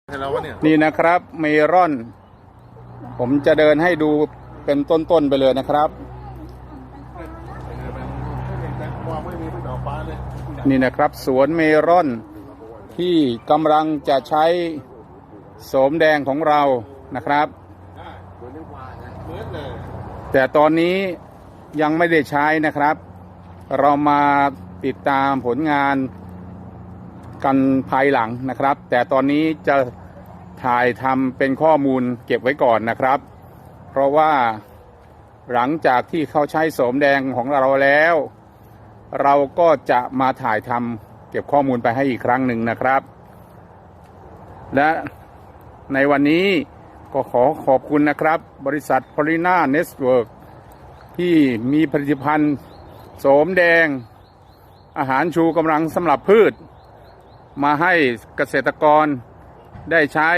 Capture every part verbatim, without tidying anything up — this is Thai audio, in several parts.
นี่นะครับเมลอนผมจะเดินให้ดูเป็นต้นๆไปเลยนะครับนี่นะครับสวนเมลอนที่กำลังจะใช้โสมแดงของเรานะครับแต่ตอนนี้ยังไม่ได้ใช้นะครับเรามาติดตามผลงานกันภายหลังนะครับแต่ตอนนี้จะถ่ายทำเป็นข้อมูลเก็บไว้ก่อนนะครับเพราะว่าหลังจากที่เขาใช้โสมแดงของเราแล้วเราก็จะมาถ่ายทำเก็บข้อมูลไปให้อีกครั้งหนึ่งนะครับและในวันนี้ก็ขอขอบคุณนะครับบริษัท Polina Network ที่มีผลิตภัณฑ์โสมแดงอาหารชูกำลังสำหรับพืชมาให้เกษตรกรได้ใช้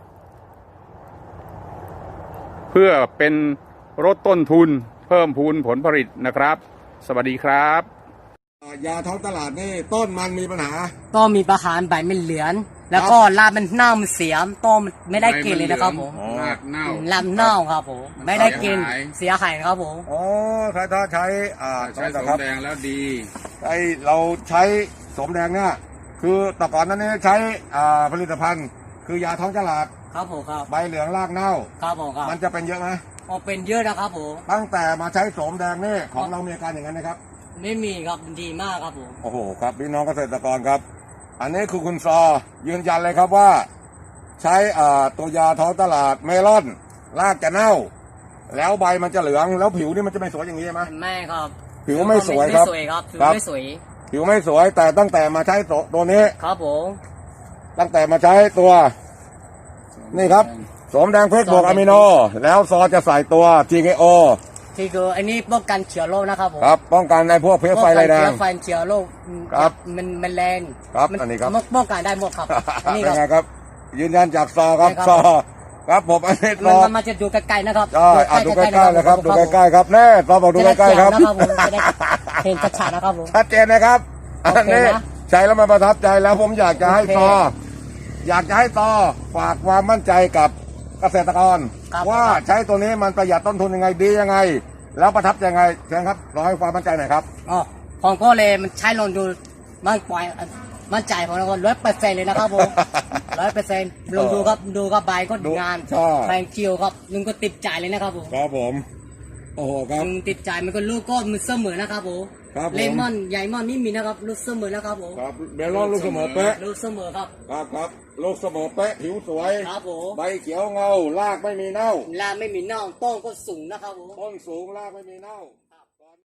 เพื่อเป็นลดต้นทุนเพิ่มพูนผลผลิตนะครับสวัสดีครับยาท้องตลาดนี่ต้นมันมีปัญหาต้นมีปัญหาใบมันเหลืองแล้วก็รากมันเน่ามันเสียต้นไม่ได้กินเลยนะครับผมรากเน่าลำเน่าครับผมไม่ได้กินเสียหายครับผมอ๋อถ้าถ้าใช้อ่าใช้โสมแดงแล้วดีไอเราใช้โสมแดงเนี่ยคือแต่ก่อนนั้นเนี่ยใช้อ่าผลิตภัณฑ์คือยาท้องตลาดครับผมครับใบเหลืองรากเน่าครับผมครับมันจะเป็นเยอะไหมอ๋อเป็นเยอะนะครับผมตั้งแต่มาใช้โสมแดงนี่ของเรามีอาการอย่างนั้นนะครับไม่มีครับดีมากครับผมโอ้โหครับพี่น้องเกษตรกรครับอันนี้คือคุณซอยืนยันเลยครับว่าใช้อ่าตัวยาท้องตลาดเมลอนรากจะเน่าแล้วใบมันจะเหลืองแล้วผิวนี่มันจะไม่สวยอย่างนี้ใช่ไหมไม่ครับผิวไม่สวยครับไม่สวยครับผิวไม่สวยผิวไม่สวยแต่ตั้งแต่มาใช้ตัวนี้ครับผมตั้งแต่มาใช้ตัวนี่ครับโสมแดงเพชรบวกอะมิโนแล้วซอจะใส่ตัว ที เค โอที่คืออันนี้ป้องกันเชื้อโรคนะครับผมครับป้องกันในพวกเพลี้ยไฟไรแดงเชื้อไฟเชื้อโรคครับมันมันแรงครับอันนี้ครับป้องกันได้หมดครับอันนี้ครับยืนยันจากซอครับซอครับผมอันนี้ซอมันจะดูใกล้ๆนะครับใช่ดูใกล้ๆเลยครับดูใกล้ๆครับแน่ซอบอกดูใกล้ๆครับเห็นชัดๆนะครับผมชัดเจนนะครับอันนี้ใช้แล้วมันประทับใจแล้วผมอยากจะให้ซออยากจะให้ซอฝากความมั่นใจกับเกษตรกรว่าใช้ตัวนี้มันประหยัดต้นทุนยังไงดียังไงแล้วประทับใจยังไงเชิญครับรอให้ความมั่นใจหน่อยครับอ๋อผมก็เลยมันใช้ลองดูมันปล่อยมั่นใจของเราร้อยเปอร์เซ็นต์เลยนะครับผมร้อยเปอร์เซ็นต์ลองดูครับดูครับใบก็งานแพงเจียวครับลุงก็ติดใจเลยนะครับผมครับผมโอ้โหครับลุงติดใจมันก็ลูกก็มันเสมอนะครับผมเลมอนใหญ่มอนนี่มีนะครับลูกเสมอนะครับผมครับเบลอนลูกเสมอเป๊ะลูกเสมอครับครับครับลูกเสมอเป๊ะผิวสวยครับผมใบเขียวเงารากไม่มีเน่ารากไม่มีเน่าต้นก็สูงนะครับผมต้นสูงรากไม่มีเน่า